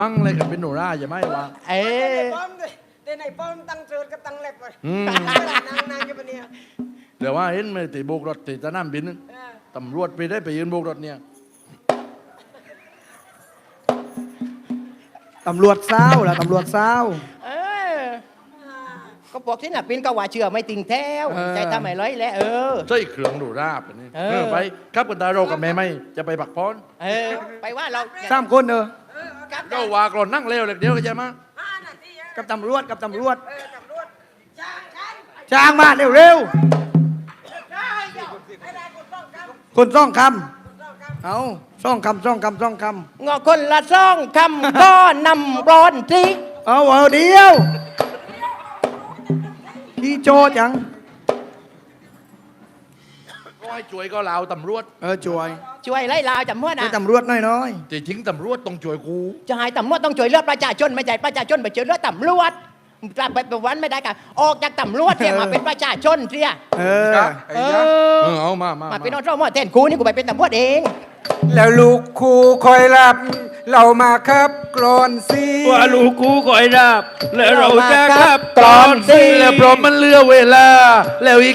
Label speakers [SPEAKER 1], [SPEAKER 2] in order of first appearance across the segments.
[SPEAKER 1] มั่งเลยกับเป็นโนราอย่าไม่วาง
[SPEAKER 2] แต่ในป้อมตั้งเชิญกับตั้งเล็บเลยนางอยู่ปะเนี่ย
[SPEAKER 1] เดี๋ยวว่าเห็นไหมตีโบกรถตีสนามบินตำรวจไปได้ไปยืนโบกรถเนี่ย
[SPEAKER 3] ตำรวจเศร้าล่ะตำรวจเศร้า
[SPEAKER 4] ก็บอกที่น่ะปินก็ว่าเชื่อไม่ติงแท้วใจทำไมร้อยแล้ว
[SPEAKER 1] ใช่เครื่องโนราแบบนี้ไปครับกันตาเรากับแม่ไม่จะไปปักพร
[SPEAKER 4] ไปว่าเรา
[SPEAKER 3] สามคน
[SPEAKER 1] เราว่ากรอนนั่งเร็วเลยเดี๋ยวก็จะมา
[SPEAKER 3] กับตำรวจกับตำรวจ
[SPEAKER 2] ตำรวจจ้างฉัน
[SPEAKER 3] จ้างมาเร็ว
[SPEAKER 2] ได้เดี๋ยวให้ได้คนต้องกำ
[SPEAKER 3] ๆคนซ่องคำเอาซ่องคำซ่องคำซ่องค
[SPEAKER 4] งอคนละซ่องคำก็นำร้อนทิก
[SPEAKER 3] ำเอาเดียวพี่โจจัง
[SPEAKER 1] ก็ให้ช่วยก็เราตำรวจ
[SPEAKER 3] ช่วย
[SPEAKER 4] ช่วยไล่ลาวจำเมื่อ
[SPEAKER 3] ให้
[SPEAKER 4] นะ
[SPEAKER 3] ตำรวจน้อย
[SPEAKER 1] จริงตำรวจต้องช่วยกู
[SPEAKER 4] จะให้ตำรวจต้องช่วยเลือกประชาชนไม่ใช่ประชาชนไปช่วยเลือกตำรวจกลับไปเป็นวันไม่ได้กันออกจากตำรวจเนี่ยมาเป็นประชาชนเสีย
[SPEAKER 3] ๆ
[SPEAKER 1] เอามา
[SPEAKER 4] มาเป็นอสมอแทนครูนี่กูไปเป็นตำรวจเอง
[SPEAKER 5] แล้วลูกครูคอยรับเรามาครับกรอนสิ
[SPEAKER 6] ว่าลูกกูคอยดับแล้วเราจะขับตอนสิ
[SPEAKER 1] แล้วเพราะมันเหลือเวลา แล้วอีก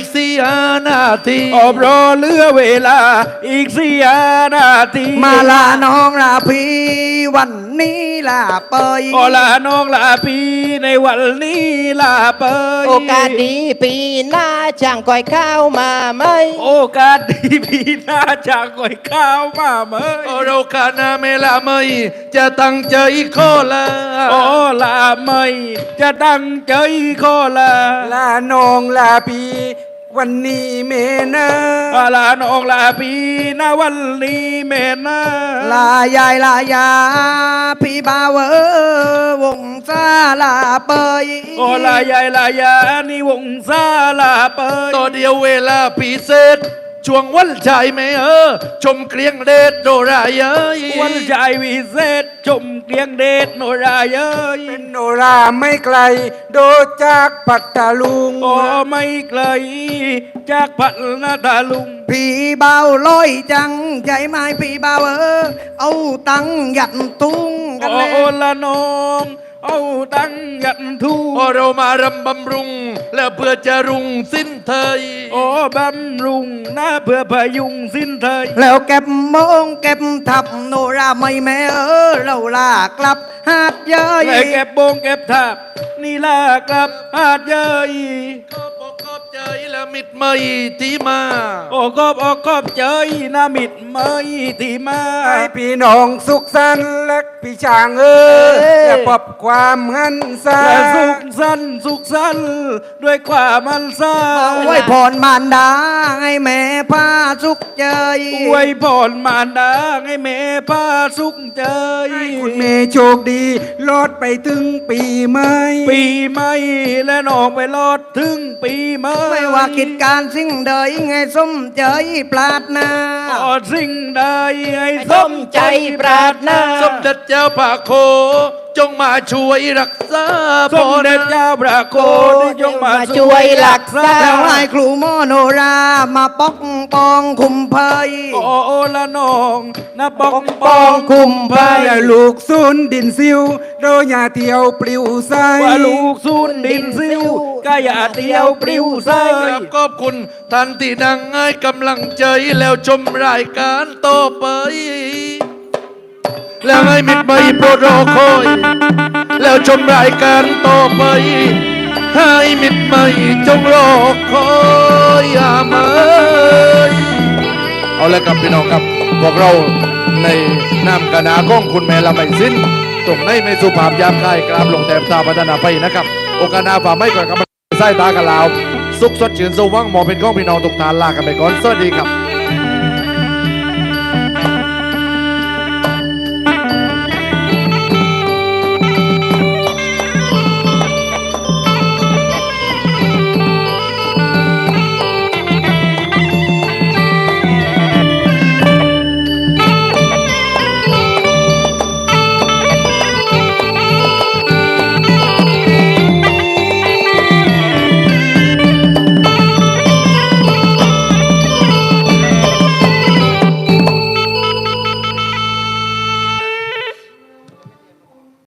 [SPEAKER 1] 4 นาที
[SPEAKER 6] อบรอเหลือเวลาอีก4 นาที
[SPEAKER 3] มาลาน้องลาพี่วันนี้ลาเปย
[SPEAKER 6] โอลาน้องลาพี่ในวันนี้ลาเปย
[SPEAKER 4] โอกาสดีปีหน้าช่างก้อยข้าวมาไหม
[SPEAKER 6] โอกาสดีพี่น่าจะก่อยข้าวมาเมย
[SPEAKER 1] โอเราคานาเมลาไม่จะตั้งใจขอลา
[SPEAKER 6] โอลาไม่จะตั้งใจขอลา
[SPEAKER 5] ลาน้องลาพี่วันนี้เมนะ
[SPEAKER 6] ลาน้องลาพี่นะวันนี้แม่นะ
[SPEAKER 3] ลายาพี่บ่าววงซาลาเปย
[SPEAKER 6] โอลายายลายานี่วงซาลาเปย
[SPEAKER 1] ต่อเดียวเวลาพิเศษช่วงวันชายไม่ชมเกลียงเดชโดรายเอ้ย
[SPEAKER 6] วันใจวิเศษชมเกลียงเดชโนราเย้ย
[SPEAKER 5] เป็นโนราไม่ไกล โดดจากปัตตาลุง
[SPEAKER 6] โอ้ไม่ไกลจากพัฒนาตาลุง
[SPEAKER 3] พี่เบาลอยจังใจไหมพี่เบาเอาตังค์ยัดตุ้งกัน
[SPEAKER 6] โอ้
[SPEAKER 3] แน่
[SPEAKER 6] ละน้องเอาตั้งยันทู
[SPEAKER 1] พอเรามารำบำรุง แล้วเพื่อจะรุ่งสิ้นเทย
[SPEAKER 6] โอ้บำรุงนะเพื่อพยุงสิ้นเทย
[SPEAKER 3] แล้วเก็บมงเก็บทับโนราไม่แม่เราลากลับหาดเย้ย
[SPEAKER 6] และเก็บโบงเก็บทับนี่ลากลับหาดเย้ย
[SPEAKER 1] ขอบอกขอบใจและมิตรไม่ที่มา
[SPEAKER 6] โอ้กอบเจยนามิดเมยที่มา
[SPEAKER 5] ให้พี่น้องสุขสันต์และพี่ช่างและปรับความหันษา
[SPEAKER 6] และสุขสันต์ด้วยความมันซา
[SPEAKER 3] ไว้พรมารดาให้แม่พาสุขเจย
[SPEAKER 6] อวยพรมารดาให้แม่พาสุขใจ
[SPEAKER 5] คุณเมย์โชคดีรอดไปถึงปีใหม่
[SPEAKER 6] ปีใหม่และน้องไปรอดถึงปีใหม่
[SPEAKER 3] ไม่ว่ากิจการสิ่งใดไงสมเจยปรารถนา
[SPEAKER 6] ขอสิ่งใดให้ส
[SPEAKER 4] ส
[SPEAKER 6] ม
[SPEAKER 4] ม
[SPEAKER 6] ใจ
[SPEAKER 4] ใจปรารถนา
[SPEAKER 1] สมเด็จเจ้าพระโค จงมาช่วยรักษา
[SPEAKER 6] สมเด็จเจ้าพระโคได้ยกมา
[SPEAKER 4] ช่
[SPEAKER 6] ช่
[SPEAKER 4] ว
[SPEAKER 6] วย ย
[SPEAKER 4] รั
[SPEAKER 6] รั
[SPEAKER 4] ก
[SPEAKER 6] ก
[SPEAKER 4] ษา
[SPEAKER 6] ษา
[SPEAKER 3] แล้วให้ครูโมโนรามาปกป้องคุมเพย
[SPEAKER 6] โอ้ละน้องนะปก
[SPEAKER 4] ป้องคุมภัย
[SPEAKER 5] และลูกซุนดินซิวโดอย่าเที่ยวปลิวใส
[SPEAKER 6] ว่าลูกสุนดินซิวก็อย่าเตียวปลิวใส
[SPEAKER 1] ครับขอบคุณท่านที่นั่งให้กำลังใจแล้วชมรายการต่อไป แล้วให้มิตรไม่โปรดรอคอย แล้วชมรายการต่อไป ให้มิตรไม่จงรอคอยอย่าเมยเอาละครับพี่น้องครับพวกเราในนามคณะของคุณแม่ละไม่สิ้นตรงในไม่สุภาพยามคายกราบลงแถบตาพัฒนาไปนะครับ โอกาสหน้าฝ่าไม่ก่อนกับไส้ตากันลาว สุขสดชื่นสว่างหมอเป็นของพี่น้องทุกท่านลากันไปก่อนสวัสดีครับ